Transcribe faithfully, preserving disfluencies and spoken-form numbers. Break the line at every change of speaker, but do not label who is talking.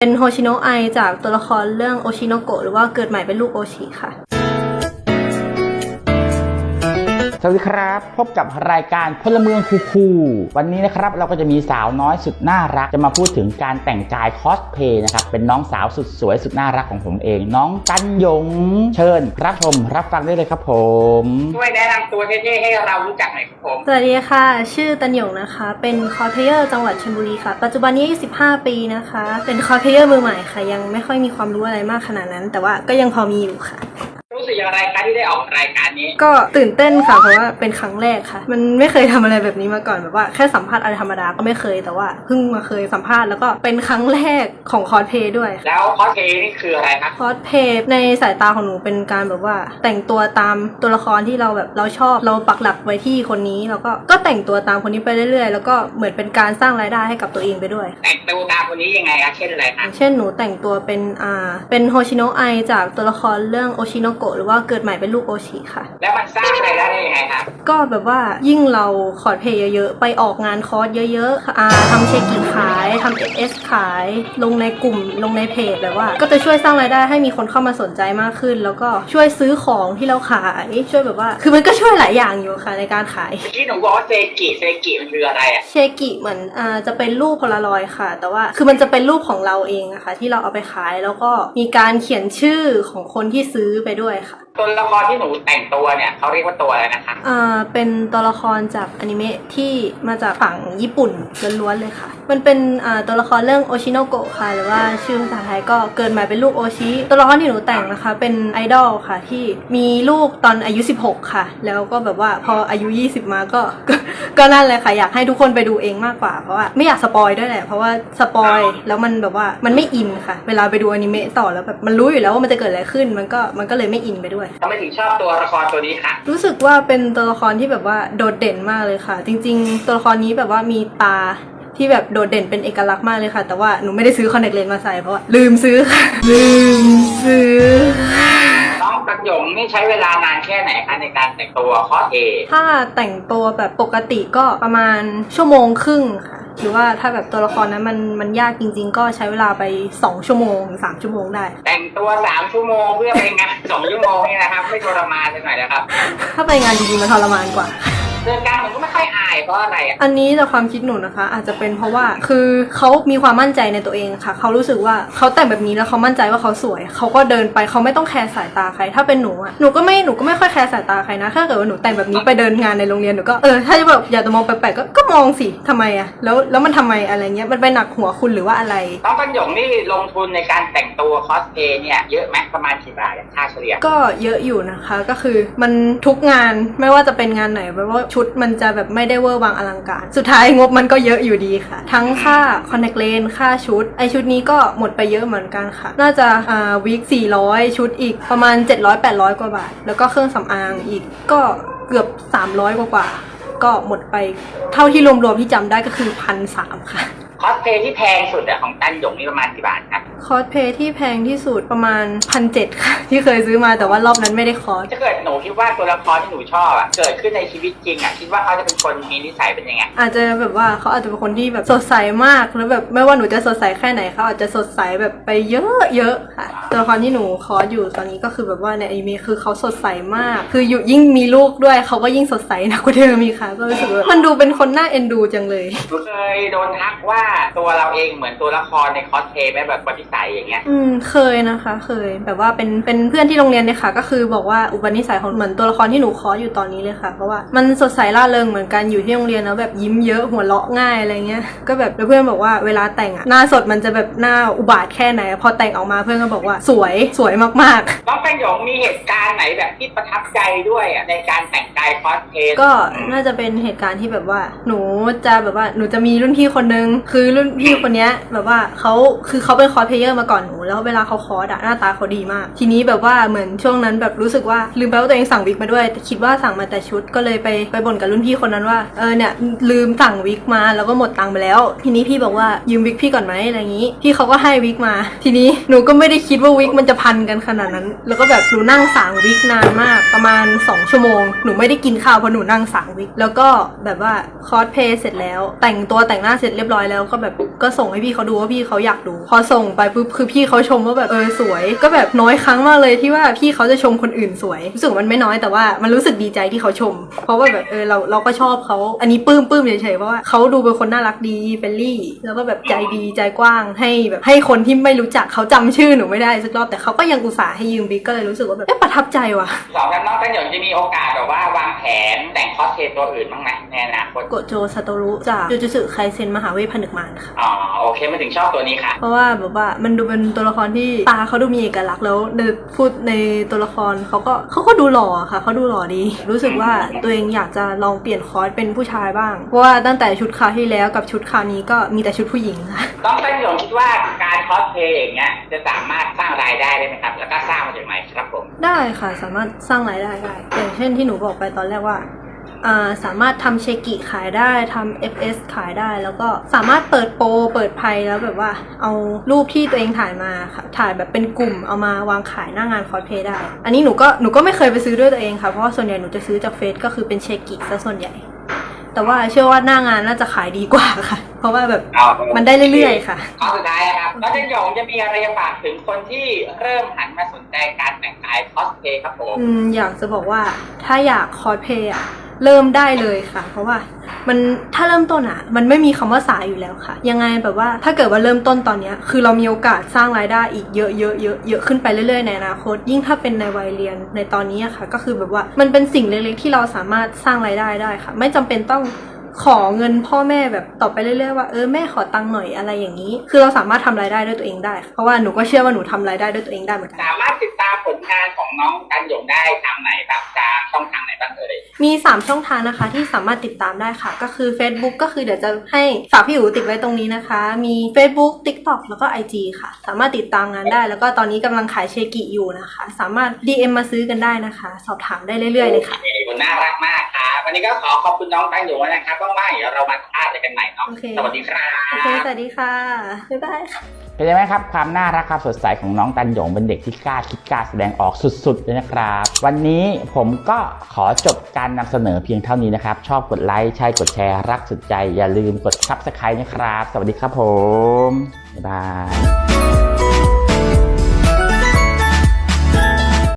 เป็นโฮชิโนะไอจากตัวละครเรื่องโอชิโนโกะหรือว่าเกิดใหม่เป็นลูกโอชิค่ะ
สวัสดีครับพบกับรายการพลเมืองคูลๆวันนี้นะครับเราก็จะมีสาวน้อยสุดน่ารักจะมาพูดถึงการแต่งกายคอสเพลย์นะครับเป็นน้องสาวสุดสวยสุดน่ารักของผมเองน้องตันหยงเชิญรับชมรับฟังได้เลยครับผม
ช่วยแนะนำตัวเท่ๆให้เรารู้จักหน่อยครับผม
สวัสดีค่ะชื่อตันหยงนะคะเป็นคอสเพลเยอร์จังหวัดชลบุรีค่ะปัจจุบันนี้อายุสิบห้าปีนะคะเป็นคอสเพลเยอร์มือใหม่ค่ะยังไม่ค่อยมีความรู้อะไรมากขนาดนั้นแต่ว่าก็ยังพอมีอยู่ค่ะ
รู้สึกอย่างไรคะที่ได้ออกรายการนี้
ก็ตื่นเต้นค่ะเพราะว่าเป็นครั้งแรกค่ะมันไม่เคยทำอะไรแบบนี้มาก่อนแบบว่าแค่สัมภาษณ์อะไรธรรมดาก็ไม่เคยแต่ว่าเพิ่งมาเคยสัมภาษณ์แล้วก็เป็นครั้งแรกของคอสเพลย์ด้วย
แล้วคอสเพลย์นี่คืออะไรคะ
คอสเพลย์ในสายตาของหนูเป็นการแบบว่าแต่งตัวตามตัวละครที่เราแบบเราชอบเราปักหลักไว้ที่คนนี้แล้วก็ก็แต่งตัวตามคนนี้ไปเรื่อยๆแล้วก็เหมือนเป็นการสร้างรายได้ให้กับตัวเองไปด้วย
แต่งตัวตามคนนี้ยังไงคะเช่นอะไรคะ
เช่นหนูแต่งตัวเป็นอ่าเป็นโฮชิโนะไอจากตัวละครเรื่องโอชิโนโกะหรือว่าเกิดใหม่เป็นลูกโอชิค่ะ
แล้วมันสร้างรายได้ได้ยังไงคะ
ก็แบบว่ายิ่งเราคอสเพลย์เยอะๆไปออกงานคอสเยอะๆอ่าทำเช็คกี่ขายทำเอสขายลงในกลุ่มลงในเพจแบบว่าก็จะช่วยสร้างรายได้ให้มีคนเข้ามาสนใจมากขึ้นแล้วก็ช่วยซื้อของที่เราขายช่วยแบบว่าคือมันก็ช่วยหลายอย่างอยู่ค่ะในการขาย
ที่หนูบอกว่าเซกิเซกิมันคืออะไรอะ
เชกิเหมือนอ่าจะเป็นรูปโพลารอยด์ค่ะแต่ว่าคือมันจะเป็นรูปของเราเองอะค่ะที่เราเอาไปขายแล้วก็มีการเขียนชื่อของคนที่ซื้อไปด้วยค่ะ
ตัวละครที่หนูแต่งตัวเนี่ยเขาเรียกว่าตัวอะไรนะคะ
อ่าเป็นตัวละครจากอนิเมะที่มาจากฝั่งญี่ปุ่นล้วนๆเลยค่ะมันเป็นอ่าตัวละครเรื่องโอชิโนโกะค่ะหรือว่าชื่อภาษาไทยก็เกิดมาเป็นลูกโอชิตัวละครที่หนูแต่งนะคะเป็นไอดอลค่ะที่มีลูกตอนอายุสิบหกค่ะแล้วก็แบบว่าพออายุยี่สิบมาก็ก็นั่นเลยค่ะอยากให้ทุกคนไปดูเองมากกว่าเพราะว่าไม่อยากสปอยด้วยแหละเพราะว่าสปอยแล้วมันแบบว่ามันไม่อินค่ะเวลาไปดูอนิเมะต่อแล้วแบบมันรู้อยู่แล้วว่ามันจะเกิดอะไรขึ้นมันก็มันก็เลยไม่อินไปด้วย
ทำไมถึงชอบตัวละครตัวนี้ค่ะ
รู้สึกว่าเป็นตัวละครที่แบบว่าโดดเด่นมากเลยค่ะจริงๆตัวละครนี้แบบว่ามีตาที่แบบโดดเด่นเป็นเอกลักษณ์มากเลยค่ะแต่ว่าหนูไม่ได้ซื้อคอนแทคเลนส์มาใส่เพราะว่าลืมซื้อค่ะลืมซื้อ
น้องตันหยงนี่ใช้เวลานานแค่ไหนคะในการแต่งตัวคอสเพลย์
ถ้าแต่งตัวแบบปกติก็ประมาณชั่วโมงครึ่งค่ะหรือว่าถ้าแบบตัวละครนั้นมันมันยากจริงๆก็ใช้เวลาไปสองชั่วโมงถึงสามชั่วโมงได้
แต่งตัวสามชั่วโมงเพื่อไปงานสองชั่วโมงนี่นะครับไม่ทรมานเลยหน่อยนะครับ
ถ้าไปงานจริงๆมันทรมานกว่า
เดินกลางหนูก็ไม่ค่อยอายเพราะอะไรอ่ะ
อันนี้จากความคิดหนูนะคะอาจจะเป็นเพราะว่าคือเขามีความมั่นใจในตัวเองค่ะเขารู้สึกว่าเขาแต่งแบบนี้แล้วเขามั่นใจว่าเขาสวยเขาก็เดินไปเขาไม่ต้องแคร์สายตาใครถ้าเป็นหนูอ่ะหนูก็ไม่หนูก็ไม่ค่อยแคร์สายตาใครนะถ้าเกิดว่าหนูแต่งแบบนี้ไปเดินงานในโรงเรียนหนูก็เออถ้าจะแบบอยากจะมองแปลกๆก็ก็มองสิทำไมอ่ะแล้วแล้วมันทำไมอะไรเงี้ยมันไปหนักหัวคุณหรือว่าอะไร
น้องตันหยงนี่ลงทุนในการแต่งตัวคอสเพลย์เนี่ยเยอะไหมประมาณกี่บาทค่าเฉลี่ย
ก็เยอะอยู่นะคะก็คือมันทุกงานไม่ว่าจะเป็นงานไหนเพราะว่าชุดมันจะแบบไม่ได้เวอร์วังอลังการสุดท้ายงบมันก็เยอะอยู่ดีค่ะทั้งค่าคอนแทคเลนส์ค่าชุดไอชุดนี้ก็หมดไปเยอะเหมือนกันค่ะน่าจะอ่าวีคสี่ร้อยชุดอีกประมาณเจ็ดร้อย แปดร้อยกว่าบาทแล้วก็เครื่องสำอางอีกก็เกือบสามร้อยกว่าก็หมดไปเท่าที่รวมๆที่จำได้ก็คือ หนึ่งพันสามร้อย ค่ะ
คอสเพลย์ที่แพงสุดอะของตันหยงนี่ประมาณกี่บาทครับ
คอสเพลย์ที่แพงที่สุดประมาณ หนึ่งพันเจ็ดร้อย ค่ะที่เคยซื้อมาแต่ว่ารอบนั้นไม่ได้คอส
ถ้าเกิดหนูคิดว่าตัวละครที่หนูชอบอะเกิดขึ้นในชีวิตจริงอะคิดว่าเขาจะเป็นคนมีนิสัยเป็นยังไง
อาจจะแบบว่าเขาอาจจะเป็นคนที่แบบสดใสมากแล้วแบบไม่ว่าหนูจะสดใสแค่ไหนเขาอาจจะสดใสแบบไปเยอะๆค่ะตัวละครที่หนูคอสอยู่ตอนนี้ก็คือแบบว่าในอนิเมะคือเขาสดใสมากคืออยู่ยิ่งมีลูกด้วยเขาก็ยิ่งสดใสหนักกว่าเดิมมีค่ะก็รู้สึกว่ามันดูเป็นคนน่าเอ็นดูจังเลย
หนูเคยโดนทักว่าตัวเราเองเหมือนตัวละครในคอสเพลย์ไหมแบบปฏิสัยอย่างเงี้ย
อืมเคยนะคะเคยแบบว่าเป็นเป็นเพื่อนที่โรงเรียนเลยค่ะก็คือบอกว่าอุปนิสัยของเหมือนตัวละครที่หนูคอสอยู่ตอนนี้เลยค่ะเพราะว่ามันสดใสร่าเริงเหมือนกันอยู่ที่โรงเรียนแล้วแบบยิ้มเยอะหัวเราะง่ายอะไรเงี้ยก็แบบเพื่อนบอกว่าเวลาแต่งอะหน้าสดมันจะแบบหน้าอุบาทแค่ไหนพอแต่งออกมาเพื่อนก็บอกว่าสวยสวยมาก
ๆน้องตันหยงมีเหตุการณ์ไหนแบบที่ประทับใจด้วยอ่ะในการแต่งกายคอสเพลย์
ก็น่าจะเป็นเหตุการณ์ที่แบบว่าหนูจะแบบว่าหนูจะมีรุ่นพี่คนนึงคือรุ่นพี่คนนี้แบบว่าเขาคือเขาเป็นคอสเพลเยอร์มาก่อนหนูแล้วเวลาเขาคอสอะหน้าตาเขาดีมากทีนี้แบบว่าเหมือนช่วงนั้นแบบรู้สึกว่าลืมไปว่าตัวเองสั่งวิกมาด้วยแต่คิดว่าสั่งมาแต่ชุดก็เลยไปไปบ่นกับรุ่นพี่คนนั้นว่าเออเนี่ยลืมสั่งวิกมาแล้วก็หมดตังค์ไปแล้วทีนี้พี่บอกว่ายืมวิกพี่ก่อนไหมอะไรอย่างนี้พี่เขาก็ให้วิกมาทีนี้หนูก็ไม่ได้คิดว่าวิกมันจะพันกันขนาดนั้นแล้วก็แบบหนูนั่งสั่งวิกนานมากประมาณสองชั่วโมงหนูไม่ได้กินข้าวเพราะหนูนั่งสั่งวิกแล้วก็แบบว่าคอสเพลย์เสร็จแล้วแต่งตัวแต่งหน้าเสร็จเรียบร้อยแล้วก็แบบก็ส่งให้พี่เขาดูว่าพี่เขาอยากดูพอส่งไปปุ๊บคือพี่เขาชมว่าแบบเออสวยก็แบบน้อยครั้งมากเลยที่ว่าพี่เขาจะชมคนอื่นสวยรู้สึกมันไม่น้อยแต่ว่ามันรู้สึกดีใจที่เขาชมเพราะว่าแบบเออเราเราก็ชอบเขาอันนี้ปลื้มปลื้มเฉยๆเพราะว่าเขาดูเป็นคนน่ารักดีเฟรนลี่แล้วก็แบบใจดีใจกว้างให้แบบให้คนที่ไม่รู้จักเขาจำชื่อหนูไม่ได้สักรอบแต่เขาก็ยังอุตส่าห์ให้ยืมบิ๊กก็เลยรู้สึกว่าแบบเอ๊ะประทับใจว่ะ
สองน้องตันหยงจะมีโอกาสแบบว่าวางแผนแต่งคอสเพลย์ตัวอื่นบ้างไหมในอนาคต
โกโจซาโตรุจากจูจูสึไคเซ็นมหาเวทผนึกมารค่ะ
อ๋อโอเคมาถึงชอบตัวนี้ค่ะ
เพราะว่าแบบว่ามันดูเป็นตัวละครที่ตาเขาดูมีเอกลักษณ์แล้วในพูดในตัวละครเขาก็เขาก็ดูหล่อค่ะเขาดูหล่อดี รู้สึกว่าตัวเองอยากจะลองเปลี่ยนคอร์สเป็นผู้ชายบ้างเพราะว่าตั้งแต่ชุดคราวที่แล้วกับชุดคราวนี้ก็มีแต่ชุดผู้หญิงค่ะ
น้องตันหยงคิดว่าการคอสเพลย์อย่างเงี้ยจะสามารถสร้างรายได้ได้ไหมครับแล้วก็สร้างมาจากไหนครับผม
ได้ค่ะสามารถสร้างรายได้ได้อย่างเช่นที่หนูบอกไปตอนแรกว่าอ่าสามารถทำเชกิขายได้ทำ เอฟ เอส ขายได้แล้วก็สามารถเปิดโปรเปิดไพ่แล้วแบบว่าเอารูปที่ตัวเองถ่ายมาค่ะถ่ายแบบเป็นกลุ่มเอามาวางขายหน้างานคอสเพลย์ได้อันนี้หนูก็หนูก็ไม่เคยไปซื้อด้วยตัวเองค่ะเพราะว่าส่วนใหญ่หนูจะซื้อจากเฟซก็คือเป็นเชกิซะส่วนใหญ่แต่ว่าเชื่อว่าหน้างานน่าจะขายดีกว่าค่ะเพราะว่าแบบมันได้เรื่อยๆค่ะ
ข้อสุดท้ายครับน้องตันหยงจะมีอะไรฝากถึงคนที่เริ่มหันมาสนใจการแต่งกายคอสเพลย์ครับผม
อืมอยากจะบอกว่าถ้าอยากคอสเพลย์อะเริ่มได้เลยค่ะ เพราะว่ามันถ้าเริ่มต้นอะมันไม่มีคำว่าสายอยู่แล้วค่ะ ยังไงแบบว่าถ้าเกิดว่าเริ่มต้นตอนเนี้ยคือเรามีโอกาสสร้างรายได้อีกเยอะเยอะเยอะเยอะขึ้นไปเรื่อยๆในอนาคตยิ่งถ้าเป็นในวัยเรียนในตอนนี้อะค่ะก็คือแบบว่ามันเป็นสิ่งเล็กๆที่เราสามารถสร้างรายได้ได้ค่ะ ไม่จำเป็นต้องขอเงินพ่อแม่แบบต่อไปเรื่อยๆว่าเออแม่ขอตังค์หน่อยอะไรอย่างนี้คือเราสามารถทำรายได้ด้วยตัวเองได้เพราะว่าหนูก็เชื่อว่าหนูทำรายได้ด้วยตัวเองได้เหมือนกัน
สามารถติดตามผลงานของน้องตันหยงได้ทางไหนบ้างทางช่องทางไหนบ้างเอ่ย
มีสามช่องทางนะคะที่สามารถติดตามได้ค่ะก็คือ Facebook ก็คือเดี๋ยวจะให้ฝากพี่อู๋ติดไว้ตรงนี้นะคะมี Facebook TikTok แล้วก็ ไอ จี ค่ะสามารถติดตามงานได้แล้วก็ตอนนี้กำลังขายเชกิอยู่นะคะสามารถ ดี เอ็ม มาซื้อกันได้นะคะสอบถามได้เรื่อยๆเลยค่ะ
คุณน่ารักมากครับวันนี้ก็ขอขอบคุณน้องตันหยงนะครับว่างๆเดี๋ยวเรามาพาดกันใหม่เนาะ
โอเค
สวัสดีครับ
โอเคสวัสดีค่ะบ๊ายบายค่ะ
เป็นยังไงครับความน่ารักความสดใสของน้องตันหยงเป็นเด็กที่กล้าคิดกล้าแสดงออกสุดๆเลยนะครับวันนี้ผมก็ขอจบการนำเสนอเพียงเท่านี้นะครับชอบกดไลค์ใช่กดแชร์รักสุดใจอย่าลืมกด ซับสไครบ์ นะครับสวัสดีครับผมบ๊ายบาย